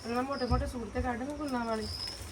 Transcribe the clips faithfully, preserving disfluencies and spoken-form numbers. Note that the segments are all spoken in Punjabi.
ਮੈਂ ਮੋਟੇ ਮੋਟੇ ਸੂਟ ਤੇ ਕੱਢ ਮੈਂ ਗੁੰਨਾ ਵਾਲੀ।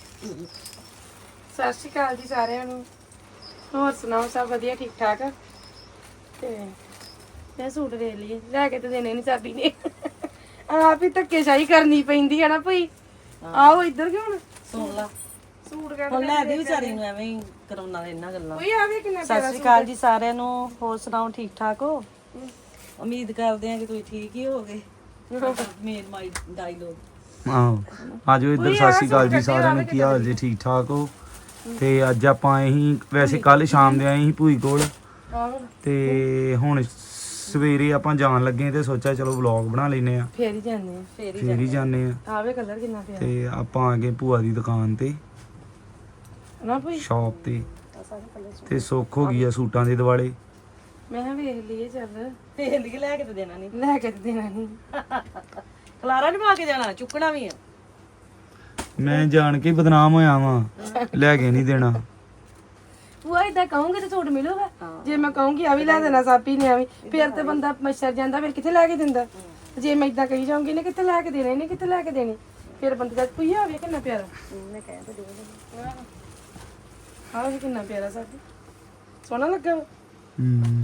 ਸਤਿ ਸ਼੍ਰੀ ਅਕਾਲ ਜੀ ਸਾਰਿਆਂ ਨੂੰ। ਹੋਰ ਸੁਣਾਓ, ਸਭ ਵਧੀਆ ਠੀਕ ਠਾਕ? ਤੇ ਮੈਂ ਸੂਟ ਦੇ ਲਈਏ, ਲੈ ਕੇ ਤੇ ਦੇਣੇ ਨਹੀਂ ਚਾਬੀ ਨੇ। ਆਪ ਹੀ ਧੱਕੇਸ਼ਾਹੀ ਕਰਨੀ ਪੈਂਦੀ ਹੈ ਨਾ ਭਈ। ਆਓ ਇੱਧਰ ਕਿਉਂ ਹੁਣ ਸੁਣ ਲਾ ਸੂਟ ਕੱਢ ਹੁਣ ਲੈ ਦੀ ਵਿਚਾਰੀ ਨੂੰ ਐਵੇਂ ਹੀ ਕਰਾਉਣਾ ਇਹਨਾਂ ਗੱਲਾਂ। ਕੋਈ ਆਵੇ ਕਿੰਨਾ ਸਤਿ ਸ਼੍ਰੀ ਅਕਾਲ ਜੀ ਸਾਰਿਆਂ ਨੂੰ। ਹੋਰ ਸੁਣਾਓ, ਠੀਕ ਠਾਕ ਹੋ? ਉਮੀਦ ਕਰਦੇ ਆ ਕਿ ਤੁਸੀਂ ਠੀਕ ਹੀ ਹੋਗੇ। ਮੇਨ ਮਾਈ ਡਾਇਲੋਗ। ਆਹੋ ਆਜੋ ਇੱਧਰ। ਸਤਿ ਸ਼੍ਰੀ ਅਕਾਲ ਜੀ ਸਾਰਿਆਂ ਨੂੰ, ਕੀ ਹਾਲ ਜੀ? ਠੀਕ ਠਾਕ ਹੋ? ਤੇ ਅੱਜ ਆਪਾਂ ਇਹੀ ਵੈਸੇ ਕੱਲ ਸ਼ਾਮ ਦੇ ਆਏ ਸੀ ਭੂਈ ਕੋਲ, ਤੇ ਹੁਣ ਸਵੇਰੇ ਆਪਾਂ ਜਾਣ ਲੱਗੇ ਤੇ ਸੋਚਿਆ ਚਲੋ ਵਲੌਗ ਬਣਾ ਲੈਨੇ ਆ। ਫੇਰ ਹੀ ਜਾਂਦੇ ਆ, ਫੇਰ ਫੇਰ ਹੀ ਜਾਂਦੇ ਆ। ਆਵੇ ਕਲਰ ਕਿੰਨਾ ਪਿਆ ਤੇ ਆਪਾਂ ਆ ਗਏ ਭੂਆ ਦੀ ਦੁਕਾਨ ਤੇ, ਨਾ ਭਈ। ਸ਼ਾਪ ਤੇ, ਤੇ ਸੁੱਖ ਹੋ ਗਈ ਆ ਸੂਟਾਂ ਦੇ ਦਿਵਾਲੇ। ਮੈਂ ਕਿਹਾ ਵੇਖ ਲਈਏ ਚੱਲ। ਫੇਰ ਲਈ ਲੈ ਕੇ ਤੇ ਦੇਣਾ ਨਹੀਂ, ਲੈ ਕੇ ਤੇ ਦੇਣਾ ਨਹੀਂ। ਖਲਾਰਾ ਨਹੀਂ ਪਾ ਕੇ ਜਾਣਾ, ਚੁੱਕਣਾ ਵੀ ਆ। ਮੈਂ ਜਾਣ ਕੇ ਬਦਨਾਮ ਹੋਇਆ ਵਾਂ, ਲੈ ਕੇ ਨਹੀਂ ਦੇਣਾ। ਭੂਆ ਇਦਾਂ ਕਹੂੰਗੇ ਤੇ ਸੂਟ ਮਿਲੂਗਾ। ਜੇ ਮੈਂ ਕਹੂੰਗੀ ਆ ਵੀ ਲੈ ਦੇਣਾ ਸਾਪੀ ਨੇ, ਆ ਵੀ ਫਿਰ ਤੇ ਬੰਦਾ ਮੱਛਰ ਜਾਂਦਾ, ਫਿਰ ਕਿੱਥੇ ਲੈ ਕੇ ਦਿੰਦਾ। ਜੇ ਮੈਂ ਇਦਾਂ ਕਹੀ ਜਾਊਂਗੀ ਨੇ ਕਿੱਥੇ ਲੈ ਕੇ ਦੇਣੇ ਨੇ, ਕਿੱਥੇ ਲੈ ਕੇ ਦੇਣੀ, ਫਿਰ ਬੰਦੇ ਦਾ ਕੋਈ ਆਵੇ ਕਿੰਨਾ ਪਿਆਰਾ। ਮੈਂ ਕਹਿ ਤੇ ਦੇ ਆਹ ਵੀ ਕਿੰਨਾ ਪਿਆਰਾ ਸਾਡੀ, ਸੋਹਣਾ ਲੱਗਾ। ਹੂੰ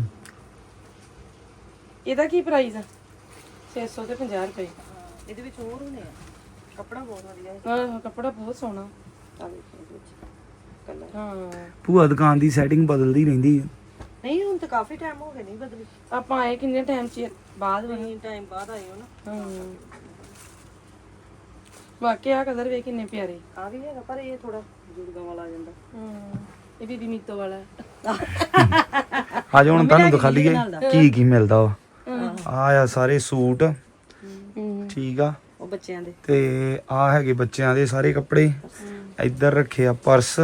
ਇਹਦਾ ਕੀ ਪ੍ਰਾਈਸ ਆ? ਛੇ ਸੌ ਤੇ ਪੰਜਾਹ ਰੁਪਏ। ਇਹਦੇ ਵਿੱਚ ਹੋਰ ਹੋਣੇ ਆ, ਕੱਪੜਾ ਬਹੁਤ ਵਧੀਆ ਹੈ। ਆਹ ਕੱਪੜਾ ਬਹੁਤ ਸੋਹਣਾ। ਆ ਵੇਖੋ ਇਹਦੇ ਵਿੱਚ ਕਲਰ। ਹਾਂ ਭੂਆ ਦੁਕਾਨ ਦੀ ਸੈਟਿੰਗ ਬਦਲਦੀ ਰਹਿੰਦੀ ਹੈ। ਨਹੀਂ ਹੁਣ ਤਾਂ ਕਾਫੀ ਟਾਈਮ ਹੋ ਗਿਆ ਨਹੀਂ ਬਦਲੀ। ਆਪਾਂ ਆਏ ਕਿੰਨੇ ਟਾਈਮ ਚ ਬਾਅਦ ਵਾ। ਨਹੀਂ ਟਾਈਮ ਬਾਅਦ ਆਏ ਹੋ ਨਾ। ਹਾਂ ਵਾਕਿਆ ਆ ਕਲਰ ਵੇ ਕਿੰਨੇ ਪਿਆਰੇ। ਆ ਵੀ ਹੈਗਾ ਪਰ ਇਹ ਥੋੜਾ ਬਜ਼ੁਰਗਾਂ ਵਾਲਾ ਆ ਜਾਂਦਾ। ਹਾਂ ਇਹ ਬੀਬੀ ਮੀਤੋ ਵਾਲਾ। ਆਜੋ ਹੁਣ ਤੁਹਾਨੂੰ ਦਿਖਾ ਲਈਏ ਕੀ ਕੀ ਮਿਲਦਾ ਵਾ। ਆ ਆ ਸਾਰੇ ਸੂਟ, ਠੀਕ ਆ। ਉਹ ਬੱਚਿਆਂ ਦੇ ਤੇ ਆ ਹੈਗੇ ਬੱਚਿਆਂ ਦੇ ਸਾਰੇ ਕੱਪੜੇ। ਇੱਧਰ ਰੱਖੇ ਆ ਪਰਸ,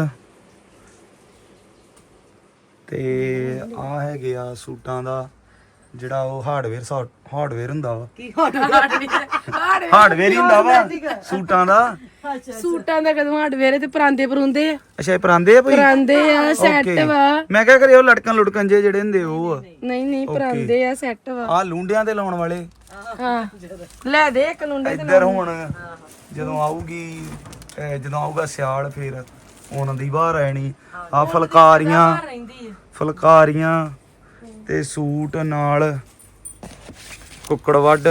ਤੇ ਆ ਹੈਗੇ ਆ ਸੂਟਾਂ ਦਾ ਜਿਹੜਾ ਉਹ ਹਾਰਡਵੇਅਰ ਹਾਰਡਵੇਅਰ ਹੁੰਦਾ ਵਾ। ਕੀ ਹੋਣਾ ਹਾਰਡਵੇਅਰ ਹੀ ਹੁੰਦਾ ਵਾ ਸੂਟਾਂ ਦਾ। ਸੂਟਾਂ ਦਾ ਕਦੋਂ ਹਾਰਡਵੇਅਰ ਤੇ ਪਰਾਂਦੇ ਪਰੁੰਦੇ ਆ। ਅੱਛਾ ਇਹ ਪਰਾਂਦੇ ਆ ਭਾਈ? ਪਰਾਂਦੇ ਆ, ਸੈੱਟ ਵਾ। ਮੈਂ ਕਿਹਾ ਕਰੇ ਉਹ ਲਟਕਣ ਲੁਟਕਣ ਜੇ ਜਿਹੜੇ ਹੁੰਦੇ ਉਹ ਆ। ਨਹੀਂ ਨਹੀਂ ਪਰਾਂਦੇ ਆ, ਸੈੱਟ ਵਾ। ਆ ਲੂੰਡਿਆਂ ਤੇ ਲਾਉਣ ਵਾਲੇ। ਹਾਂ ਲੈ ਦੇ ਇੱਕ ਲੁੰਡੇ ਤੇ। ਇੱਧਰ ਹੁਣ ਜਦੋਂ ਆਊਗੀ ਅਹ ਜਦੋਂ ਆਊਗਾ ਸਿਆਲ ਫਿਰ ਉਹਨਾਂ ਦੀ ਬਾਹਰ ਆਣੀ। ਆ ਫੁਲਕਾਰੀਆਂ ਰਹਿੰਦੀ ਆ। ਫੁਲਕਾਰੀਆਂ ਤੇ ਸੂਟ ਨਾਲ ਕੁੱਕੜ ਵੱਢ।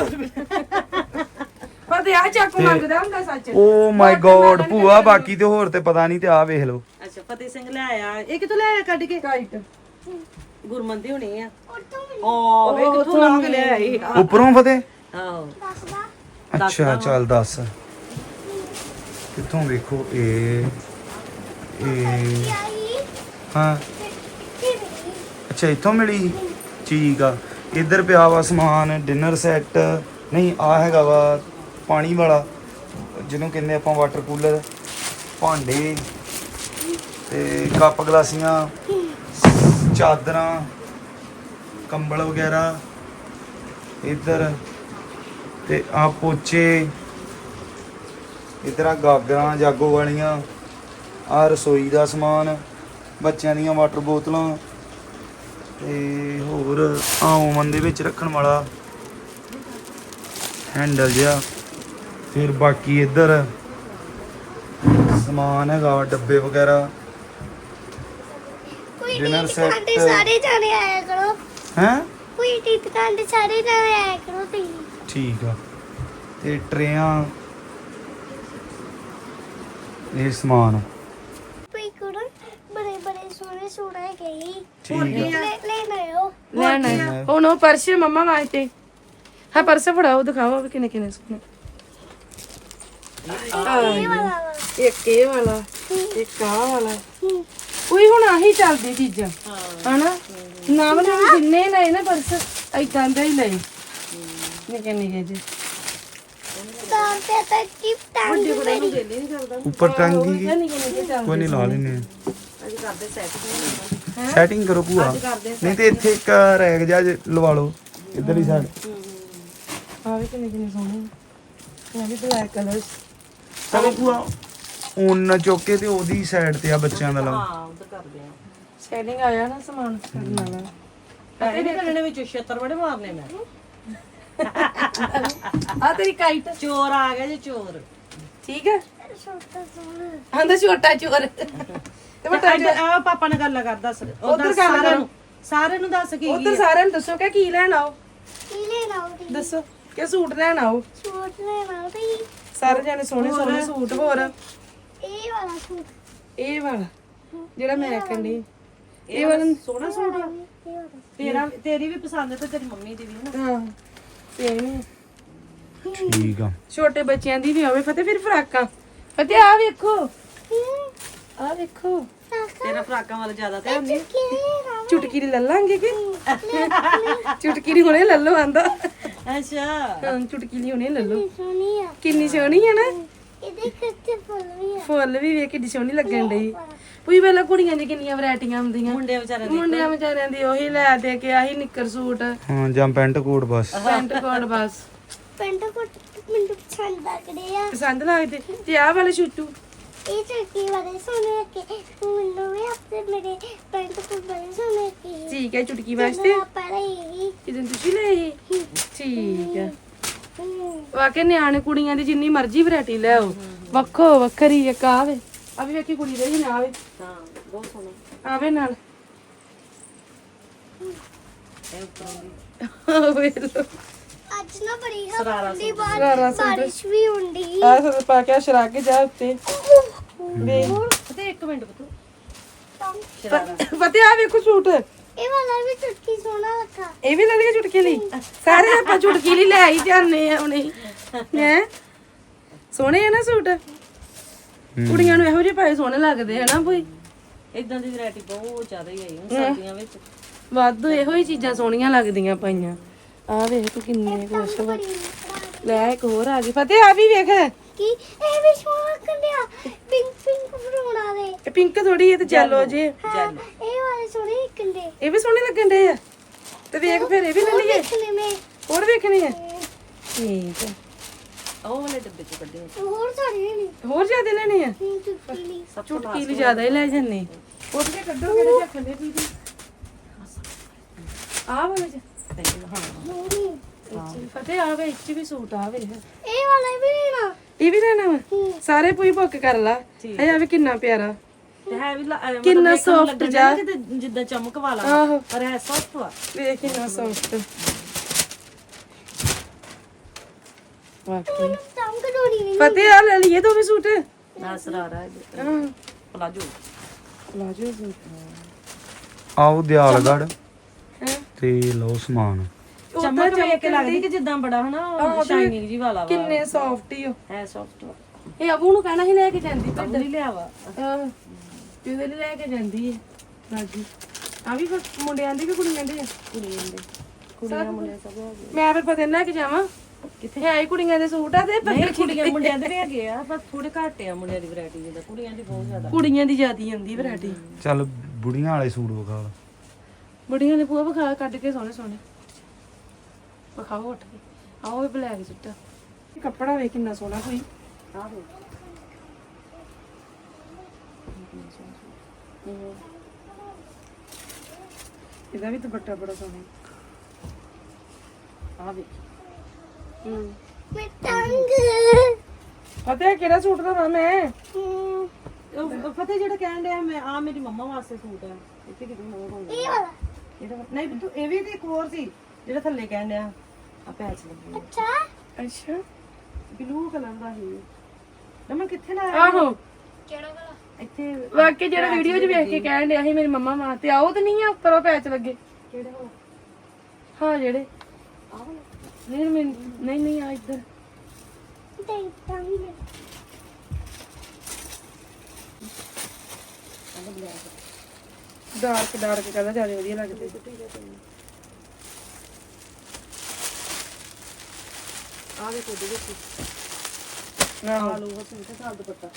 ਪਰ ਤੇ ਆ ਚਾਕੂ ਮੰਗਦਾ ਹੁੰਦਾ ਸੱਚ। ਓ ਮਾਈ ਗੋਡ ਭੂਆ, ਬਾਕੀ ਤੇ ਹੋਰ ਤੇ ਪਤਾ ਨਹੀਂ, ਤੇ ਆ ਵੇਖ ਲਓ। ਅੱਛਾ ਫਤਿਹ ਸਿੰਘ ਲੈ ਆਇਆ। ਇਹ ਕਿੱਥੋਂ ਲੈ ਆਇਆ ਕੱਢ ਕੇ? ਕਾਈਟ ਗੁਰਮੰਦੀ ਹੋਣੀ ਆ। ਓ ਵੇ ਕਿੱਥੋਂ ਲਾ ਕੇ ਲੈ ਆਈ। ਉੱਪਰੋਂ ਫਤਿਹ? ਆਹੋ ਅੱਛਾ ਚੱਲ ਦੱਸ ਕਿੱਥੋਂ। ਵੇਖੋ ਇਹ ਇਹ ਹਾਂ ਅੱਛਾ ਇੱਥੋਂ ਮਿਲੀ। ਠੀਕ ਆ। ਇੱਧਰ ਪਿਆ ਵਾ ਸਮਾਨ, ਡਿਨਰ ਸੈੱਟ। ਨਹੀਂ ਆ ਹੈਗਾ ਵਾ ਪਾਣੀ ਵਾਲਾ ਜਿਹਨੂੰ ਕਹਿੰਦੇ ਆਪਾਂ ਵਾਟਰ ਕੂਲਰ, ਭਾਂਡੇ ਤੇ ਕੱਪ ਗਲਾਸੀਆਂ, ਚਾਦਰਾਂ, ਕੰਬਲ ਵਗੈਰਾ। ਇੱਧਰ ਤੇ ਆ ਪੋਚੇ, ਇੱਧਰ ਆ ਗਾਗਰਾਂ ਜਾਗੋ ਵਾਲੀਆਂ, ਆ ਰਸੋਈ ਦਾ ਸਮਾਨ, ਬੱਚਿਆਂ ਦੀਆਂ ਵਾਟਰ ਬੋਤਲਾਂ, ਤੇ ਹੋਰ ਆ ਓਵਨ ਦੇ ਵਿੱਚ ਰੱਖਣ ਵਾਲਾ ਹੈਂਡਲ ਜਿਹਾ। ਫਿਰ ਬਾਕੀ ਇੱਧਰ ਸਮਾਨ ਹੈਗਾ ਵਾ, ਡੱਬੇ ਵਗੈਰਾ, ਡਿਨਰ ਸੈੱਟ। ਸਾਰੇ ਜਾਣੇ ਆਇਆ ਕਰੋ। ਹੈਂ ਕੋਈ ਟੀ ਦੁਕਾਨ ਤੇ ਸਾਰੇ ਜਾਣੇ ਆਇਆ ਕਰੋ ਤੁਸੀਂ। ਠੀਕ ਆ। ਤੇ ਟਰੇਆਂ, ਇਹ ਸਮਾਨ ਕੋਈ ਕਰੋ ਬੜੇ ਬੜੇ ਸੋਹਣੇ ਸੂਟ ਹੈਗੇ ਹੀ। ਠੀਕ ਆ। ਲੈ ਲੈ ਆਇਓ। ਲੈਣਾ ਹੁਣ ਉਹ ਪਰਸ ਮੰਮਾ ਵਾਸਤੇ। ਹਾਂ ਪਰਸ ਫੜਾਓ, ਦਿਖਾਓ ਵੀ ਕਿੰਨੇ ਕਿੰਨੇ ਸੋਹਣੇ। ਇਹ ਵਾਲਾ ਵਾ। ਇੱਕ ਇਹ ਵਾਲਾ, ਇੱਕ ਆਹ ਵਾਲਾ। ਕੋਈ ਹੁਣ ਆਹੀ ਚੱਲਦੀ ਚੀਜ਼ਾਂ ਹਨਾ। ਨਾਮ ਨੇ ਜਿੰਨੇ ਲਏ ਨਾ ਪਰਸ ਏਦਾਂ ਦੇ ਹੀ ਲਏ, ਨਿੱਕੇ ਨਿੱਕੇ ਜਿਹੇ। ਤਾਂ ਤੇ ਤਾਂ ਕੀ ਟੰਗ ਉੱਪਰ ਟੰਗੀ ਨਿੱਕੇ ਨਿੱਕੇ ਚੱਲਦੇ। ਕੋਈ ਨਹੀਂ ਲਾ ਲੈਨੇ ਅੱਜ ਕਰਦੇ ਸੈੱਟ। ਆ। ਸੈਟਿੰਗ ਕਰੋ ਭੂਆ। ਨਹੀਂ ਤੇ ਇੱਥੇ ਇੱਕ ਰੈਕ ਜਿਹਾ ਜੇ ਲਵਾ ਲਓ ਇੱਧਰ ਹੀ ਸਾਈਡ। ਆ ਵੀ ਕਿੰਨੇ ਕਿੰਨੇ ਸੋਹਣੇ। ਇਹ ਵੀ ਬਲੈਕ ਕਲਰ। ਚਲੋ ਭੂਆ ਉਹਨਾਂ ਚੁੱਕ ਕੇ ਤੇ ਉਹਦੀ ਸਾਈਡ ਤੇ ਆ ਬੱਚਿਆਂ ਦਾ ਲਾਓ। ਹਾਂ ਉਧਰ ਕਰਦੇ ਆ। ਸ਼ੇਡਿੰਗ ਆਇਆ ਨਾ ਸਮਾਨ ਕਰਨ ਵਾਲਾ। ਪੈਸੇ ਨਹੀਂ ਕਰਨੇ ਵਿੱਚ ਛੇਤਰ ਬੜੇ ਮਾਰਨੇ ਮੈਂ। ਆ ਤੇਰੀ ਕਾਈਟ ਚੋਰ ਆ ਗਿਆ ਜੀ ਚੋਰ। ਠੀਕ ਹੈ ਛੋਟਾ ਸੋਹਣਾ ਆਂਦਾ ਛੋਟਾ ਚੋਰ ਤੇ ਵੱਡਾ ਇੱਧਰ ਆ ਪਾਪਾ ਨਾਲ ਗੱਲ ਕਰ ਦੱਸ ਉੱਧਰ ਉਧਰ ਗੱਲ ਸਾਰਿਆਂ ਕਰ। ਨੂੰ ਸਾਰਿਆਂ ਨੂੰ ਦੱਸ ਕੀ ਉਧਰ ਸਾਰਿਆਂ ਨੂੰ ਦੱਸੋ ਕਿ ਕੀ ਲੈਣ ਆਓ ਕੀ ਲੈਣਾ ਉਹਦੀ ਦੱਸੋ ਕਿ ਸੂਟ ਲੈਣ ਆਓ ਸੂਟ ਲੈਣਾ ਉਹਦੀ ਸਾਰੇ ਜਾਣੇ ਸੋਹਣੇ ਸੋਹਣੇ ਸੂਟ ਹੋਰ ਇਹ ਵਾਲਾ ਸੂਟ ਇਹ ਵਾਲਾ ਜਿਹੜਾ ਮੈਂ ਕਹਿੰਦੀ ਇਹ ਵਾਲਾ ਸੋਹਣਾ ਸੂਟ ਆ। ਇਹ ਵਾਲਾ ਤੇਰਾ ਤੇਰੀ ਵੀ ਪਸੰਦ ਤੇ ਤੇਰੀ ਮੰਮੀ ਦੀ ਵੀ ਨਾ। ਹਾਂ ਸੇਮ ਠੀਕ ਆ। ਛੋਟੇ ਬੱਚਿਆਂ ਦੀ ਵੀ ਹੋਵੇ ਫਤਿਹ ਫਿਰ ਫਰਾਕਾਂ ਫਤਿਹ ਆ ਵੇਖੋ ਆ ਵੇਖੋ ਤੇਰਾ ਫਰਾਕਾਂ ਵਾਲਾ ਜ਼ਿਆਦਾ ਧਿਆਨ ਨਹੀਂ। ਕੀ ਲੈਣਾ ਚੁਟਕੀ ਦੀ ਲੈ ਲਾਂਗੇ ਕਿ ਚੁਟਕੀ ਦੀ ਹੁਣੇ ਲੈ ਲਓ ਆਂਦਾ ਅੱਛਾ ਹਾਂ ਚੁਟਕੀ ਦੀ ਹੁਣੇ ਲੈ ਲਓ ਸੋਹਣੀ ਆ ਕਿੰਨੀ ਸੋਹਣੀ ਹੈ ਨਾ ਇਹਦੇ ਕੱਚੇ ਫੁੱਲ ਵੀ ਆ ਫੁੱਲ ਵੀ ਵੇਖ ਕਿੰਨੀ ਸੋਹਣੀ ਲੱਗਣ ਡਈ ਕੋਈ ਵੇਲਾ ਕੁੜੀਆਂ ਦੀ ਕਿੰਨੀਆਂ ਵੈਰਾਈਟੀਆਂ ਹੁੰਦੀਆਂ ਮੁੰਡੇ ਵਿਚਾਰੇ ਦੀ ਮੁੰਡਿਆਂ ਵਿਚਾਰਿਆਂ ਦੀ ਉਹੀ ਲੈ ਦੇ ਕੇ ਆਹੀ ਨਿੱਕਰ ਸੂਟ ਹਾਂ ਜਾਂ ਪੈਂਟ ਕੋਟ ਬਸ। ਪੈਂਟ ਕੋਟ ਬਸ ਪੈਂਟ ਕੋਟ ਮੈਨੂੰ ਪਸੰਦ ਲੱਗਦੇ ਆ ਪਸੰਦ ਲੱਗਦੇ ਤੇ ਆਹ ਵਾਲੇ ਛੁੱਟੂ ਇਹ ਚੁਟਕੀ ਵਾਲੇ ਸੋਹਣੇ ਲੱਗੇ ਮੈਨੂੰ ਵੀ ਆਪਣੇ ਮੇਰੇ ਪੈਂਟ ਕੋਟ ਬੜੇ ਸੋਹਣੇ ਲੱਗੇ ਠੀਕ ਹੈ ਚੁਟਕੀ ਵਾਸਤੇ ਪਹਿਲਾਂ ਇਹ ਕਿਦਨ ਤੁਸੀਂ ਲਏ ਸੀ ਠੀਕ ਹੈ ਵਾਕੇ ਨਿਆਣੇ ਕੁੜੀਆਂ ਦੀ ਜਿੰਨੀ ਮਰਜ਼ੀ ਵੈਰਾਈਟੀ ਲੈ ਆਓ ਵੱਖੋ ਵੱਖਰੀ ਇੱਕ ਆਵੇ ਆ ਵੀ ਵੇਖੀ ਕੁੜੀ ਦੇ ਹੀ ਨਾ ਆਵੇ ਹਾਂ ਬਹੁਤ ਸੋਹਣਾ ਆਵੇ ਨਾਲ ਇਹ ਉੱਪਰੋਂ ਦੀ ਵੇਖ ਲਓ ਅੱਜ ਨਾ ਬੜੀ ਹਵਾ ਸਰਾਰਾ ਹੁੰਦੀ ਸਰਾਰਾ ਬਾਹਰ ਸੂਟ। ਬਾਰਿਸ਼ ਵੀ ਹੁੰਦੀ ਆ ਸੋ ਪਾ ਕੇ ਸ਼ਰਾ ਕੇ ਜਾ ਉੱਤੇ ਵੇਖ ਤੇ ਇੱਕ ਮਿੰਟ ਬਤੂ ਫਤਿਹ ਆ ਵੇਖੋ ਸੂਟ ਇਹ ਵਾਲਾ ਵੀ ਚੁਟਕੀ ਸੋਹਣਾ ਲੱਗਾ ਇਹ ਵੀ ਲੈ ਲਈਏ ਚੁਟਕੀ ਲਈ ਸਾਰੇ ਆਪਾਂ ਚੁਟਕੀ ਲਈ ਲੈ ਹੀ ਜਾਂਦੇ ਆ ਹੁਣੇ ਹੈ ਸੋਹਣੇ ਆ ਨਾ ਸੂਟ ਕੁੜੀਆਂ ਨੂੰ ਇਹੋ ਜਿਹੇ ਪਾਏ ਸੋਹਣੇ ਲੱਗਦੇ ਹਨਾ ਕੋਈ ਇਦਾਂ ਦੀ ਵੈਰਾਈਟੀ ਬਹੁਤ ਜ਼ਿਆਦਾ ਹੀ ਆਈ ਹੁਣ ਸਰਦੀਆਂ ਵਿੱਚ। ਵਾਧੂ ਇਹੋ ਹੀ ਚੀਜ਼ਾਂ ਸੋਹਣੀਆਂ ਲੱਗਦੀਆਂ ਪਈਆਂ ਆ ਵੇਖ ਤੂੰ ਕਿੰਨੇ ਕੁਛ ਵਾ। ਲੈ ਇੱਕ ਹੋਰ ਆ ਗਈ ਫਤਿਹ ਆ ਵੀ ਵੇਖ ਕੀ ਇਹ ਵੀ ਸੋਹਣਾ ਕੰਡਿਆ ਪਿੰਕ ਪਿੰਕ ਬਣਾਉਣਾ ਦੇ ਇਹ ਪਿੰਕ ਥੋੜੀ ਇਹ ਤੇ ਜੈਲੋ ਜੇ ਜੈਲੋ ਇਹ ਵਾਲੇ ਸੋਹਣੇ ਕੰਡੇ ਇਹ ਵੀ ਸੋਹਣੇ ਲੱਗਣ ਡੇ ਆ ਤੇ ਵੇਖ ਫਿਰ ਇਹ ਵੀ ਲੈ ਲਈਏ ਦੇਖਣੇ ਮੈਂ ਹੋਰ ਵੇਖਣੇ ਆ ਠੀਕ ਹੈ ਉਹ ਵਾਲੇ ਡੱਬੇ ਚ ਕੱਢੇ ਹੋਏ। ਹੋਰ ਸਾਰੇ ਨਹੀਂ ਹੋਰ ਜ਼ਿਆਦਾ ਲੈਣੇ ਆ ਚੁਟਕੀ ਲਈ ਸਭ ਤੋਂ ਚੁਟਕੀ ਲਈ ਜ਼ਿਆਦਾ ਹੀ ਲੈ ਜੰਨੇ ਉੱਠ ਕੇ ਕੱਢੋ ਕਿਹੜੇ ਰੱਖਣੇ ਦੀਦੀ ਆ ਵਾਲਾ ਜੀ ਹਾਂ ਸੋਹਣੀ ਫਤਿਹ ਆ ਵੇ ਇੱਚ ਵੀ ਸੂਟ ਆ ਵੇ ਇਹ ਵਾਲਾ ਵੀ ਲੈਣਾ ਇਹ ਵੀ ਲੈਣਾ ਵਾ ਸਾਰੇ ਪੂਰੀ ਬੁੱਕ ਕਰ ਲਾ ਹੈ ਆ ਵੀ ਕਿੰਨਾ ਪਿਆਰਾ ਤੇ ਹੈ ਵੀ ਲ- ਅਹ ਮਤਲਬ ਕਿੰਨਾ ਵੇਖਣ ਨੂੰ soft ਲੱਗਣ ਜਿਹਾ। ਡਿਆ ਜਿੱਦਾਂ- ਜਿੱਦਾਂ ਚਮਕ ਵਾਲਾ ਆਹੋ ਪਰ ਹੈ ਸੌਫਟ ਵਾ। ਵੇਖ ਕਿੰਨਾ ਸੌਫਟ ਵਾਕਈ ਤੰਗ ਦੋੜੀ ਨਹੀਂ ਫਤਿਹ ਆ ਲੈ ਲਈਏ ਦੋਵੇਂ ਸੂਟ ਨਾ ਸਰਾਰਾ ਹੈ ਹਾਂ ਪਲਾਜੋ ਪਲਾਜੋ ਸੂਟ ਆਓ ਦਿਆਲਗੜ ਹੈ ਤੇ ਲਓ ਸਮਾਨ। ਚਮਕ ਵੇਖ ਕੇ ਲੱਗਦੀ ਕਿ ਜਿੱਦਾਂ ਬੜਾ ਹਨਾ ਸ਼ਾਈਨਿੰਗ ਜੀ ਵਾਲਾ ਵਾ। ਕਿੰਨੇ ਸੌਫਟ ਹੀ ਹੋ ਹੈ ਸੌਫਟ ਵਾ। ਇਹ ਅਬੂ ਨੂੰ ਕਹਿਣਾ ਸੀ ਲੈ ਕੇ ਜਾਂਦੀ ਕੰਮ ਨਹੀਂ ਲਿਆ ਵਾ। ਹਾਂ ਤੇ ਉਹਦੇ ਲਈ ਲੈ ਕੇ ਜਾਂਦੀ ਹੈ ਰਾਜੀ ਆ ਵੀ ਫਿਰ ਮੁੰਡਿਆਂ ਦੀ ਵੀ ਕੁੜੀਆਂ ਦੀ ਆ ਕੁੜੀਆਂ ਦੇ ਕੁੜੀਆਂ ਮੁੰਡੇ ਸਭ ਹੈਗੇ। ਮੈਂ ਫਿਰ ਪਤਾ ਲੈ ਕੇ ਜਾਵਾਂ ਕਿੱਥੇ ਹੈ ਹੀ ਕੁੜੀਆਂ ਦੇ ਸੂਟ ਆ ਤੇ ਨਹੀਂ ਕੁੜੀਆਂ ਮੁੰਡਿਆਂ ਦੇ ਵੀ ਹੈਗੇ ਆ ਪਰ ਥੋੜੇ ਘੱਟ ਆ ਮੁੰਡਿਆਂ ਦੀ ਵੈਰਾਈਟੀ ਜਿੱਦਾਂ ਕੁੜੀਆਂ ਦੀ ਬਹੁਤ ਜ਼ਿਆਦਾ। ਕੁੜੀਆਂ ਦੀ ਜ਼ਿਆਦੀ ਆਉਂਦੀ ਵੈਰਾਈਟੀ ਚੱਲ ਬੁੜੀਆਂ ਵਾਲੇ ਸੂਟ ਵਿਖਾ ਲਾ। ਬੜੀਆਂ ਨੇ ਪੂਆ ਵਿਖਾ ਕੱਢ ਕੇ ਸੋਹਣੇ ਸੋਹਣੇ ਵਿਖਾਓ ਉੱਠ ਕੇ ਆਓ ਇਹ ਬਲੈਕ ਚਿੱਟਾ ਇਹ ਕੱਪੜਾ ਵੇ ਕਿੰਨਾ ਸੋਹਣਾ ਕੋਈ ਆਹੋ ਇਹਦਾ ਵੀ ਦੁਪੱਟਾ ਬੜਾ ਸੋਹਣਾ ਆ ਵੇ ਹੂੰ ਮੈਂ ਤੰਗ ਫਤਿਹ ਕਿਹੜਾ ਸੂਟ ਦਵਾਂ ਮੈਂ ਹਮ, ਉਹ ਫਤਿਹ ਜਿਹੜਾ ਕਹਿਣ ਡਿਆ ਮੈਂ ਆ ਮੇਰੀ ਮੰਮਾ ਵਾਸਤੇ ਸੂਟ ਆ ਇੱਥੇ ਕਿਤੇ ਹੋਰ ਹੋਊਗਾ ਇਹ ਵਾਲਾ ਇਹਦਾ ਨਹੀਂ ਤੂੰ ਇਹ ਵੀ ਤੇ ਇੱਕ ਹੋਰ ਸੀ ਜਿਹੜਾ ਥੱਲੇ ਕਹਿਣ ਡਿਆ ਆ ਪੈਚ ਲੱਗੀ ਅੱਛਾ ਅੱਛਾ ਬਲੂ ਕਲਰ ਦਾ ਸੀ ਨਮਨ ਕਿੱਥੇ ਲਾਇਆ ਆਹੋ ਕਿਹੜਾ ਵਾਲਾ ਇੱਥੇ ਵਾਕੇ ਜਿਹੜਾ ਵੀਡੀਓ 'ਚ ਵੇਖ ਕੇ ਕਹਿਣ ਡਿਆ ਸੀ ਮੇਰੀ ਮੰਮਾ ਮਾਂ ਤੇ ਆਓ ਤੇ ਨਹੀਂ ਆ ਉੱਪਰ ਉਹ ਪੈਚ ਲੱਗੇ ਕਿਹੜੇ ਹੋ ਹਾਂ ਜਿਹੜੇ ਆਹ ਨਹੀਂ ਮੈਂ ਨਹੀਂ ਨਹੀਂ ਆ ਇੱਧਰ ਤੇ ਤੰਗ ਡਾਰਕ ਡਾਰਕ ਕਲਰ ਜ਼ਿਆਦਾ ਵਧੀਆ ਲੱਗਦੇ ਆ ਵੇ ਕੋਦੇ ਵਿੱਚ ਆਹੋ ਆਲੂ ਉਹ ਸੂਟ ਸਾਲ ਦੁਪੱਟਾ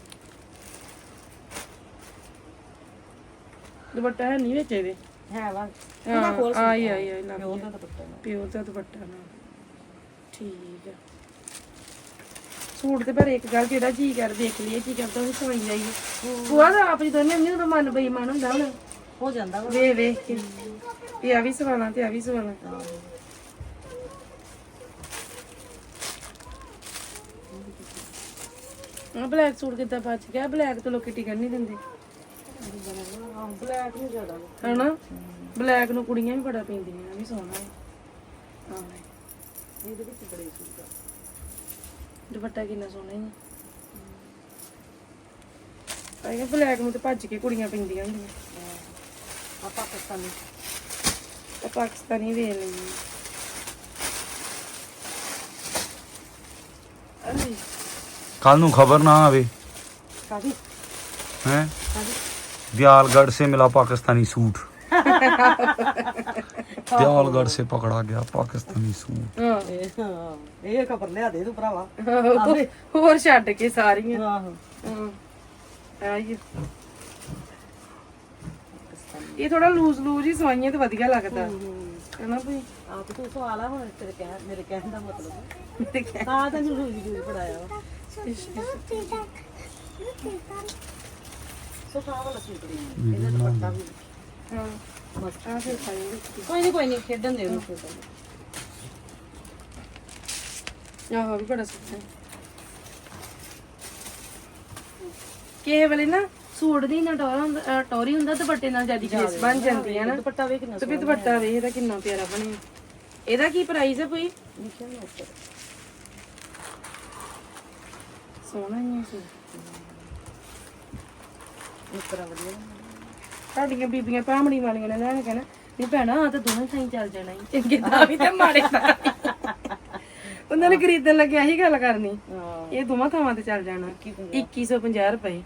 ਦੁਪੱਟਾ ਹੈ ਨਹੀਂ ਵਿੱਚ ਇਹਦੇ ਹੈ ਵਾ ਹਾਂ ਆਈ ਆਈ ਆਈ ਲੱਗ ਉਹਦਾ ਦੁਪੱਟਾ ਨਾ ਪਿਓਰ ਦਾ ਦੁਪੱਟਾ ਨਾ ਠੀਕ ਹੈ ਸੂਟ ਤੇ ਪਰ ਇੱਕ ਗੱਲ ਜਿਹੜਾ ਜੀ ਕਰ ਦੇਖ ਲਈਏ ਕੀ ਕਰਦਾ ਉਹ ਸਵਾਈ ਜਾਈਏ ਭੂਆ ਦਾ ਆਪ ਜੀ ਦੋਨੇ ਅੰਮੀ ਦਾ ਮਨ ਬੇਈਮਾਨ ਹੁੰਦਾ ਹੁਣ ਹੋ ਜਾਂਦਾ ਵਾ ਵੇ ਵੇਖ ਕੇ ਇਹ ਆ ਵੀ ਸਵਾਲਾਂ ਤੇ ਆ ਵੀ ਸਵਾਲਾਂ ਆ ਬਲੈਕ ਸੂਟ ਕਿੱਦਾਂ ਬਚ ਗਿਆ? ਬਲੈਕ ਤੋਂ ਲੋਕੀ ਟਿਕਣ ਨਹੀਂ ਦਿੰਦੇ ਹਾਂ ਬਲੈਕ ਨੂੰ ਜ਼ਿਆਦਾ ਹਨਾ। ਬਲੈਕ ਨੂੰ ਕੁੜੀਆਂ ਵੀ ਬੜਾ ਪੈਂਦੀਆਂ, ਇਹ ਵੀ ਸੋਹਣਾ ਹੈ। ਹਾਂ ਇਹਦੇ ਵਿੱਚ ਬੜੇ ਸੂਟ ਆ। ਦੁਪੱਟਾ ਕਿੰਨਾ ਸੋਹਣਾ ਹੈ। ਆਇਆ ਬਲੈਕ ਨੂੰ ਤੇ ਭੱਜ ਕੇ ਕੁੜੀਆਂ ਪੈਂਦੀਆਂ ਹੁੰਦੀਆਂ। ਆ ਪਾਕਿਸਤਾਨੀ ਤੇ ਪਾਕਿਸਤਾਨੀ ਵੇਖ ਲਈ ਅਰੇ ਕੱਲ ਨੂੰ ਖਬਰ ਨਾ ਆਵੇ ਕਾਦੀ हैं दयालगढ़ से मिला पाकिस्तानी सूट दयालगढ़ से पकड़ा गया पाकिस्तानी सूट। ਹਾਂ ਇਹ ਖਬਰ ਲਿਆ ਦੇ ਤੂੰ ਭਰਾਵਾ। ਹੋਰ ਛੱਡ ਕੇ ਸਾਰੀਆਂ। ਆਹੋ ਹਾਂ ਆਈ ਇਹ ਥੋੜਾ ਲੂਜ਼ ਲੂਜ਼ ਹੀ ਸਵਾਈਆਂ ਤੇ ਵਧੀਆ ਲੱਗਦਾ ਹੈ ਨਾ ਭਈ। ਆਪ ਤੂੰ ਸਵਾਲ ਆ ਹੁਣ ਤੇਰੇ ਕਹਿ ਮੇਰੇ ਕਹਿਣ ਦਾ ਮਤਲਬ ਤਾਂ ਤੈਨੂੰ ਰੂਜ ਜੂਜ ਪੜਾਇਆ ਵਾ। ਸੋ ਖਾ ਵਾਲਾ ਸੂਟ ਨਹੀਂ ਇਹਦਾ ਦੁਪੱਟਾ ਵੀ ਹਾਂ ਬਸ ਆ ਫਿਰ ਪਾਈ ਕੋਈ ਨਹੀਂ ਕੋਈ ਨਹੀਂ ਖੇਡਣ ਦੇ ਉਹਨੂੰ ਖੇਡਣ ਦੇ। ਆਹੋ ਵੀ ਬੜਾ ਸੋਹਣਾ ਕਿਸੇ ਵੇਲੇ ਨਾ ਸੂਟ ਦੀ ਨਾ ਟੋਰਾ ਹੁੰਦਾ ਅਹ ਟੋਰੀ ਹੁੰਦਾ ਦੁਪੱਟੇ ਨਾਲ ਜਿਆਦੀ ਗ੍ਰੇਸ ਬਣ ਜਾਂਦੀ ਹੈ ਨਾ। ਦੁਪੱਟਾ ਵੇਖ ਕਿੰਨਾ ਤੇ ਵੀ ਦੁਪੱਟਾ ਵੇਖ ਇਹਦਾ ਕਿੰਨਾ ਪਿਆਰਾ ਬਣਿਆ। ਇਹਦਾ ਕੀ ਪ੍ਰਾਈਸ ਹੈ ਭਈ? ਲਿਖਿਆ ਨਾ ਉੱਪਰ ਸੋਹਣਾ ਹੀ ਹੈ ਸੂਟ। ਉੱਪਰ ਵਧੀਆ ਸਾਡੀਆਂ ਬੀਬੀਆਂ ਭਾਮੜੀ ਵਾਲੀਆਂ ਨੇ ਲੈਣ ਕਹਿਣਾ ਨਹੀਂ ਭੈਣਾ ਆ ਤਾਂ ਦੋਵੇਂ ਥਾਈਂ ਚੱਲ ਜਾਣਾ ਈ। ਚੰਗੇ ਤਾਂ ਵੀ ਤੇ ਮਾੜੇ ਤਾਂ ਉਹਨਾਂ ਨੇ ਖਰੀਦਣ ਲੱਗਿਆ ਇਹੀ ਗੱਲ ਕਰਨੀ। ਹਾਂ ਇਹ ਦੋਵਾਂ ਥਾਵਾਂ ਤੇ ਚੱਲ ਜਾਣਾ। ਇੱਕੀ ਸੌ ਪੰਜਾਹ ਰੁਪਏ।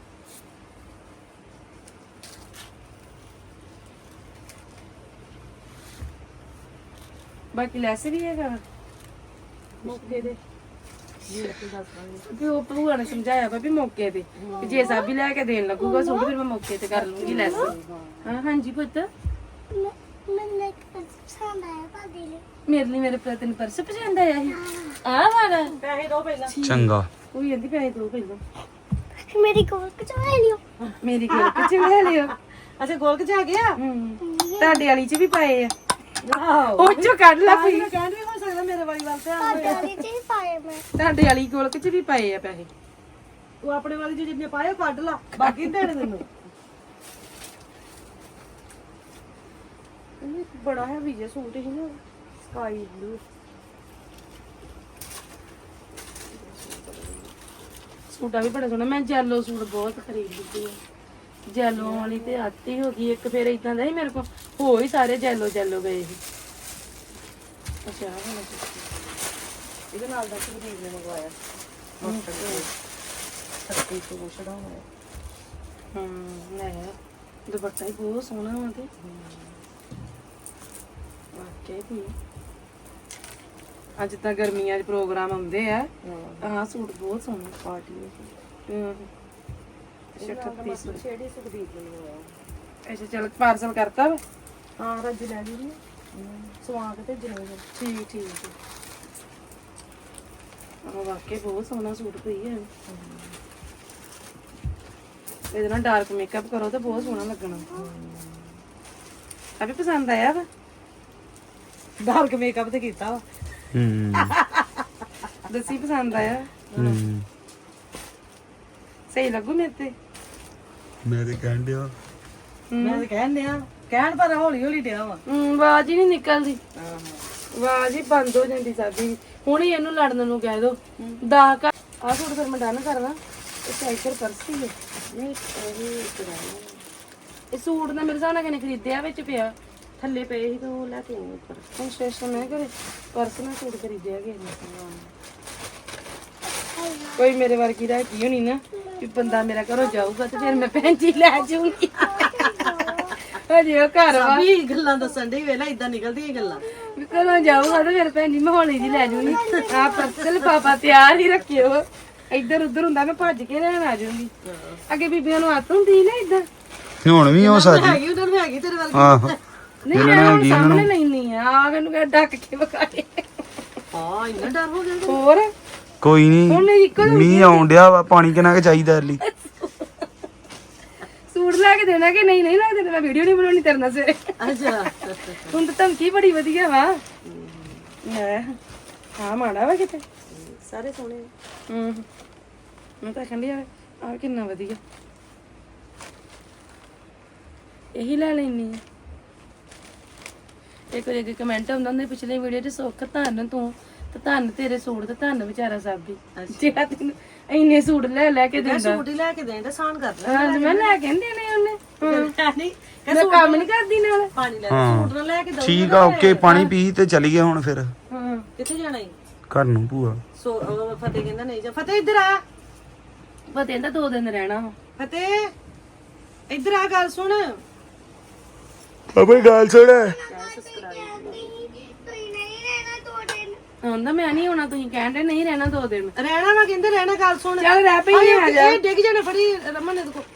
ਬਾਕੀ ਲੈਸ ਵੀ ਹੈਗਾ ਮੌਕੇ ਦੇ। ਵੀ ਉਹ ਭੂਆ ਨੇ ਸਮਝਾਇਆ ਵਾ ਵੀ ਮੌਕੇ ਤੇ ਵੀ ਜੇ ਸਾਬੀ ਲੈ ਕੇ ਦੇਣ ਲੱਗੂਗਾ ਸੂਟ ਫਿਰ ਮੈਂ ਮੌਕੇ ਤੇ ਕਰ ਲੂੰਗੀ ਲੈਸ। ਹਾਂ ਹਾਂਜੀ ਪੁੱਤ ਮੈਨੂੰ ਇੱਕ ਪਸੰਦ ਆਇਆ ਭਾਬੀ ਲਈ। ਮੇਰੇ ਲਈ ਮੇਰੇ ਭਰਾ ਤੈਨੂੰ ਪਰਸ ਪਸੰਦ ਆਇਆ ਸੀ ਆਹ ਵਾਲਾ। ਪੈਸੇ ਦੋ ਪਹਿਲਾਂ चंगा ਉਹ ਕਹਿੰਦੀ ਪੈਸੇ ਦੋ ਪਹਿਲਾਂ ਮੇਰੀ ਕੋਲ ਕਚਵਾ ਲਿਓ। ਮੇਰੀ ਕੋਲ ਕਿਚ ਲੈ ਲਿਓ। ਅੱਛਾ ਗੋਲਕ ਚ ਆ ਗਿਆ। ਹੂੰ ਤੁਹਾਡੇ ਵਾਲੀ ਚ ਵੀ ਪਾਏ ਆ ਆਹੋ ਉਹ ਚੋਂ ਕੱਢ ਲਾ ਫੀ। ਮੈਂ ਕਹਿਣ ਵੀ ਹੋ ਸਕਦਾ ਮੇਰੇ ਵਾਲੀ ਵੱਲ ਧਿਆਨ ਤੁਹਾਡੇ ਵਾਲੀ ਚ ਹੀ ਪਾਏ ਮੈਂ। ਤੁਹਾਡੇ ਵਾਲੀ ਕੋਲ ਕਿਚ ਵੀ ਪਾਏ ਆ ਪੈਸੇ। ਤੂੰ ਆਪਣੇ ਵਾਲੀ ਚ ਜਿੰਨੇ ਪਾਏ ਉਹ ਕੱਢ ਲਾ ਬਾਕੀ ਨੀ ਦੇਣੇ ਤੈਨੂੰ। ਇਹ ਬੜਾ ਹੈ ਵੀ ਜੇ ਸੂਟ ਹੀ ਨਾ ਸਕਾਈ ਬਲੂ ਸੂਟਾ ਵੀ ਬੜਾ ਸੋਹਣਾ। ਮੈਂ ਜੈਲੋ ਸੂਟ ਬਹੁਤ ਖਰੀਦਦੀ ਆ। ਜੈਲੋ ਵਾਲੀ ਤੇ ਆਤੀ ਹੋ ਗਈ ਇੱਕ। ਫਿਰ ਇਦਾਂ ਦਾ ਹੀ ਮੇਰੇ ਕੋਲ ਹੋ ਹੀ ਸਾਰੇ ਜੈਲੋ ਜੈਲੋ ਗਏ ਸੀ। ਅੱਛਾ ਆਹ ਵਾਲਾ ਸੂਟ। ਇਹਦੇ ਨਾਲ ਦਾ ਸੁਖਦੀਪ ਨੇ ਮੰਗਵਾਇਆ ਸੱਤੀ ਸੌ ਛੜਾਉਣਾ। ਹੂੰ ਲੈ ਦੁਪੱਟਾ ਹੀ ਬਹੁਤ ਸੋਹਣਾ ਵਾ ਤੇ ਵਾਕਈ ਵੀ ਅੱਜ ਤਾਂ ਗਰਮੀਆਂ ਦੇ ਪ੍ਰੋਗਰਾਮ ਆਉਂਦੇ ਆ। ਆਹ ਸੂਟ ਬਹੁਤ ਸੋਹਣਾ ਪਾਰਟੀ ਵਿੱਚ। ਛੱਤੀ ਸੌ ਛੇੜੀ ਸੁਖਦੀਪ ਨੇ ਮੰਗਵਾਇਆ। ਅੱਛਾ ਚਲ ਪਾਰਸਲ ਕਰਤਾ ਵਾ। ਹਾਂ ਰੱਜ ਲੈ ਜੀ ਸਵਾ ਕੇ ਭੇਜਣਾ। ਠੀਕ ਠੀਕ ਆਹ ਵਾਕਈ ਬਹੁਤ ਸੋਹਣਾ ਸੂਟ ਪਈ ਹੈ। ਇਹਦੇ ਨਾਲ ਡਾਰਕ ਮੇਕਅਪ ਕਰੋ ਤਾਂ ਬਹੁਤ ਸੋਹਣਾ ਲੱਗਣਾ। ਆ ਵੀ ਪਸੰਦ ਆਇਆ ਵਾ। ਡਾਰਕ ਮੇਕਅਪ ਤੇ ਕੀਤਾ ਵਾ। हम्म ਦੱਸੀ ਪਸੰਦ ਆਇਆ। हम्म ਸਹੀ ਲੱਗੂ ਮੇਰੇ ਤੇ। मैं तो कह दिया ਮੈਂ ਤਾਂ ਕਹਿਣ ਡਿਆ ਕਹਿਣ ਪਰ ਹੌਲੀ ਹੌਲੀ ਡਿਆ ਵਾ। ਹੂੰ ਆਵਾਜ਼ ਹੀ ਨਹੀਂ ਨਿਕਲਦੀ। ਆਹੋ ਆਵਾਜ਼ ਹੀ ਬੰਦ ਹੋ ਜਾਂਦੀ ਸਾਡੀ। ਹੁਣ ਹੀ ਇਹਨੂੰ ਲੜਨ ਨੂੰ ਕਹਿ ਦੋ ਦਾ ਕਾ ਆ ਸੂਟ ਫਿਰ ਮੈਂ ਡਨ ਕਰਦਾ। ਇਹ ਸਾਈਕਲ ਪਰਸ ਹੀ ਹੈ। ਨਹੀਂ ਇਹ ਇਹ ਸੂਟ ਨਾ ਮੇਰੇ ਹਿਸਾਬ ਨਾਲ ਕਿਨੇ ਖਰੀਦਿਆ ਵਿੱਚ ਪਿਆ ਥੱਲੇ ਪਏ ਸੀ ਤਾਂ ਉਹ ਲੈ ਕੇ ਆਈ ਉੱਪਰ। ਹੁਣ ਸਟੇਸ਼ਨ ਮੈਂ ਘਰੇ ਪਰਸ ਨਾਲ ਸੂਟ ਖਰੀਦਿਆ ਗਿਆ ਕੋਈ ਮੇਰੇ ਵਰਗੀ ਦਾ ਕੀ ਹੋਣੀ ਨਾ ਵੀ ਬੰਦਾ ਮੇਰਾ ਘਰੋਂ ਜਾਊਗਾ ਤੇ ਫਿਰ ਮੈਂ ਭੈਣ ਜੀ ਲੈ ਜਾਊਂਗੀ। ਹਜੇ ਉਹ ਘਰ ਵਾ ਵੀ ਗੱਲਾਂ ਦੱਸਣ ਦੀ ਵੇਲਾ ਇਦਾਂ ਨਿਕਲਦੀਆਂ ਗੱਲਾਂ। ਵੀ ਘਰੋਂ ਜਾਊਗਾ ਤੇ ਫਿਰ ਭੈਣ ਜੀ ਮੈਂ ਹੌਲੀ ਜੀ ਲੈ ਜਾਊਂਗੀ। ਆ ਪਰਸਲ ਪਾਪਾ ਤਿਆਰ ਹੀ ਰੱਖਿਓ। ਇੱਧਰ ਉੱਧਰ ਹੁੰਦਾ ਮੈਂ ਭੱਜ ਕੇ ਲੈਣ ਆ ਜਾਊਂਗੀ। ਅੱਗੇ ਬੀਬੀਆਂ ਨੂੰ ਆਦਤ ਹੁੰਦੀ ਨਾ ਇਦਾਂ। ਹੁਣ ਵੀ ਹੋ ਸਕਦੀ ਹੈਗੀ ਉਹਨਾਂ ਨੂੰ ਹੈਗੀ ਤੇਰੇ ਵੱਲ। ਆਹੋ ਨਹੀਂ ਮੈਂ ਹੁਣ ਸਾਹਮਣੇ ਲੈਣੀ ਆ ਆ ਮੈਨੂੰ ਕਹ ਡੱਕ ਕੇ ਵਿਖਾਏ। ਹਾਂ ਇੰਨਾ ਡਰ ਹੋ ਗਿਆ। ਹੋਰ ਕੋਈ ਹੁਣ ਨਹੀਂ ਇੱਕੋ ਮੀਂਹ ਆਉਣ ਡਿਆ ਵਾ ਪਾਣੀ ਕਿੰਨਾ ਕੁ ਚਾਹੀਦਾ ਲਈ ਸੂਟ ਲੈ ਕੇ ਦੇਣਾ ਕਿ ਨਹੀਂ ਨਹੀਂ ਲੈ ਦੇਣਾ। ਮੈਂ ਵੀਡੀਓ ਨਹੀਂ ਬਣਾਉਣੀ ਤੇਰੇ ਨਾਲ ਸਵੇਰੇ। ਅੱਛਾ ਹੁਣ ਤਾਂ ਧਮਕੀ ਬੜੀ ਵਧੀਆ ਵਾ। ਲੈ ਹਾਂ ਮਾੜਾ ਵਾ ਕਿਤੇ ਸਾਰੇ ਸੋਹਣੇ। ਹੂੰ ਮੈਂ ਤਾਂ ਕਹਿੰਦੀ ਆ ਆ ਕਿੰਨਾ ਵਧੀਆ ਇਹੀ ਲੈ ਲੈਣੀ ਆ। ਇੱਕ ਵਾਰੀ ਅੱਗੇ ਕਮੈਂਟ ਆਉਂਦਾ ਹੁੰਦਾ ਪਿਛਲੇ ਵੀਡੀਓ 'ਚ ਸੁੱਖ ਧੰਨ ਤੂੰ ਤੇ ਧੰਨ ਤੇਰੇ ਸੂਟ ਤੇ ਧੰਨ ਵਿਚਾਰਾ ਸਾਬੀ ਜਿਹੜਾ ਤੈਨੂੰ ਇੰਨੇ ਸੂਟ ਲੈ ਲੈ ਕੇ ਮੈਂ ਦਿੰਦਾ। ਸੂਟ ਹੀ ਲੈ ਕੇ ਦੇਣ ਦਾ ਸਾਨ ਕਰ ਲੈ ਹਾਂ ਮੈਂ ਲੈ ਕੇ ਨੀ ਦੇਣੇ ਉਹਨੇ ਹਾਂ। ਨਹੀਂ ਮੈਂ ਕੰਮ ਨਹੀਂ ਕਰਦੀ ਨਾਲ। ਪਾਣੀ ਲੈ ਹਾਂ। ਸੂਟ ਨਾ ਲੈ ਕੇ ਦਊ ਠੀਕ ਆ ਓਕੇ ਪਾਣੀ ਪੀ ਤੇ ਚਲੀਏ ਹੁਣ ਫਿਰ ਹਾਂ ਕਿੱਥੇ ਜਾਣਾ ਈ ਘਰ ਨੂੰ ਭੂਆ। ਸੋ ਉਹ ਫਤਿਹ ਕਹਿੰਦਾ ਨਹੀਂ ਜਾ ਫਤਿਹ ਇੱਧਰ ਆ ਪਤਾ ਇਹਦਾ ਦੋ ਦਿਨ ਰਹਿਣਾ ਵਾ। ਫਤਿਹ ਇੱਧਰ ਆ ਗੱਲ ਸੁਣ ਅਬੇ ਗੱਲ ਸੁਣ ਤੁਸੀਂ ਨਹੀਂ ਰਹਿਣਾ ਦੋ ਦਿਨ ਹੁੰਦਾ ਮੈਂ ਨਹੀਂ ਹੋਣਾ ਤੁਸੀਂ ਕਹਿੰਦੇ ਨਹੀਂ ਰਹਿਣਾ ਦੋ ਦਿਨ। ਰਹਿਣਾ ਵਾ ਕਹਿੰਦੇ ਰਹਿਣਾ ਗੱਲ ਸੁਣ ਚੱਲ ਰਹਿ ਪਈ ਹਾਏ, ਆ ਜਾ ਇਹ ਡਿੱਗ ਜਾਣੇ ਫੜੀ ਰਮਨ ਨੇ ਦੇਖੋ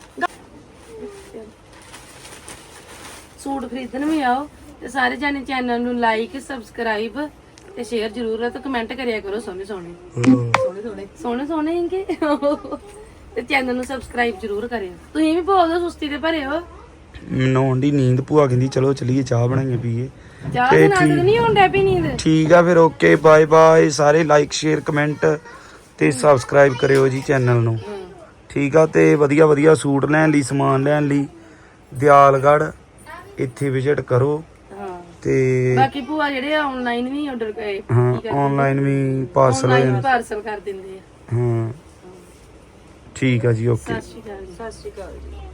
ਸੂਟ ਖਰੀਦਣ ਵੀ ਆਓ ਤੇ ਸਾਰੇ ਜਾਣੇ ਚੈਨਲ ਨੂੰ ਲਾਈਕ ਸਬਸਕ੍ਰਾਈਬ ਤੇ ਸ਼ੇਅਰ ਜ਼ਰੂਰ ਤੇ ਕਮੈਂਟ ਕਰਿਆ ਕਰੋ ਸੋਹਣੇ ਸੋਹਣੇ ਸੋਹਣੇ ਸੋਹਣੇ ਸੋਹਣੇ ਸੋਹਣੇ ਇੰਗੇ ਤੇ ਚੈਨਲ ਨੂੰ ਸਬਸਕ੍ਰਾਈਬ ਜ਼ਰੂਰ ਕਰਿਓ। ਤੁਸੀਂ ਵੀ ਬੋਲ ਦਿਓ ਸੁਸਤੀ ਤੇ ਭਰੇ ਹੋ। ਮੈਨੂੰ ਆਉਂਦੀ ਨੀਂਦ ਭੂਆ ਕਹਿੰਦੀ ਚਲੋ ਚਲੀਏ ਚਾਹ ਬਣਾਈਏ ਪੀਏ। ਚਾਹ ਦੇ ਨਾਲ ਤਾਂ ਨਹੀਂ ਹੁੰਦਾ ਪਈ ਨੀਂਦ। ਠੀਕ ਆ ਫਿਰ ਓਕੇ ਬਾਏ ਬਾਏ ਸਾਰੇ ਲਾਈਕ ਸ਼ੇਅਰ ਕਮੈਂਟ ਤੇ ਸਬਸਕ੍ਰਾਈਬ ਕਰਿਓ ਜੀ ਚੈਨਲ ਨੂੰ। ਠੀਕ ਆ ਤੇ ਵਧੀਆ ਵਧੀਆ ਸੂਟ ਲੈਣ ਲਈ ਸਮਾਨ ਲੈਣ ਲਈ ਦਿਆਲਗੜ੍ਹ ਇੱਥੇ ਵਿਜ਼ਿਟ ਕਰੋ ਹਾਂ ਤੇ ਬਾਕੀ ਭੂਆ ਜਿਹੜੇ ਆਨਲਾਈਨ ਵੀ ਆਰਡਰ ਕਰੇ ਹਾਂ ਆਨਲਾਈਨ ਵੀ ਪਾਰਸਲ ਆਨਲਾਈਨ ਪਾਰਸਲ ਕਰ ਦਿੰਦੇ ਆ। ਹਾਂ ਠੀਕ ਆ ਜੀ ਓਕੇ ਸਤਿ ਸ਼੍ਰੀ ਅਕਾਲ ਜੀ। ਸਤਿ ਸ਼੍ਰੀ ਅਕਾਲ ਜੀ।